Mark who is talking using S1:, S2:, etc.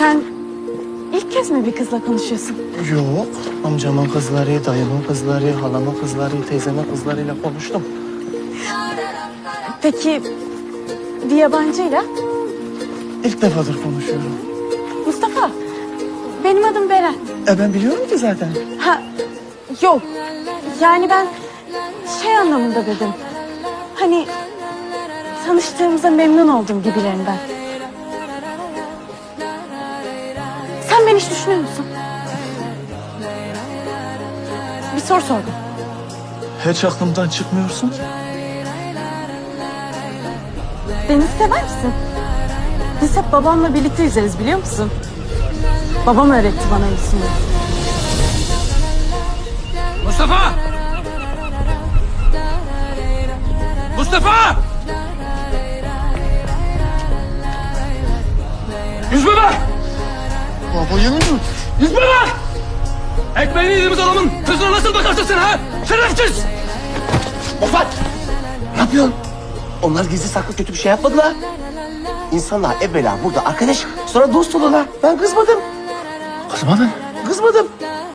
S1: Sen ilk kez mi bir kızla konuşuyorsun?
S2: Yok. Amcamın kızları, dayımın kızları, halamın kızları, teyzemin kızlarıyla konuştum.
S1: Peki bir yabancıyla?
S2: İlk defadır konuşuyorum.
S1: Mustafa, benim adım Beren.
S2: Ben biliyorum ki zaten.
S1: Ha, yok. Yani ben şey anlamında dedim. Hani tanıştığımıza memnun oldum gibilerinden. Sen beni hiç düşünüyor musun? Bir soru sordum.
S2: Hiç aklımdan çıkmıyorsun ki.
S1: Deniz sever misin? Biz hep babamla birlikte yüzeriz biliyor musun? Babam öğretti bana yüzmeyi.
S3: Mustafa! Mustafa! Yüzme bak!
S2: Baba yemin mi?
S3: Yüzme bak! Ekmeğini yediğimiz adamın kızına nasıl bakarsın sen ha? Şerefsiz!
S4: Mofat! Ne yapıyorsun? Onlar gizli saklı kötü bir şey yapmadılar. İnsanlar evvela burada arkadaş, sonra dost olurlar. Ben kızmadım.
S2: Kızmadın.
S4: Kızmadım.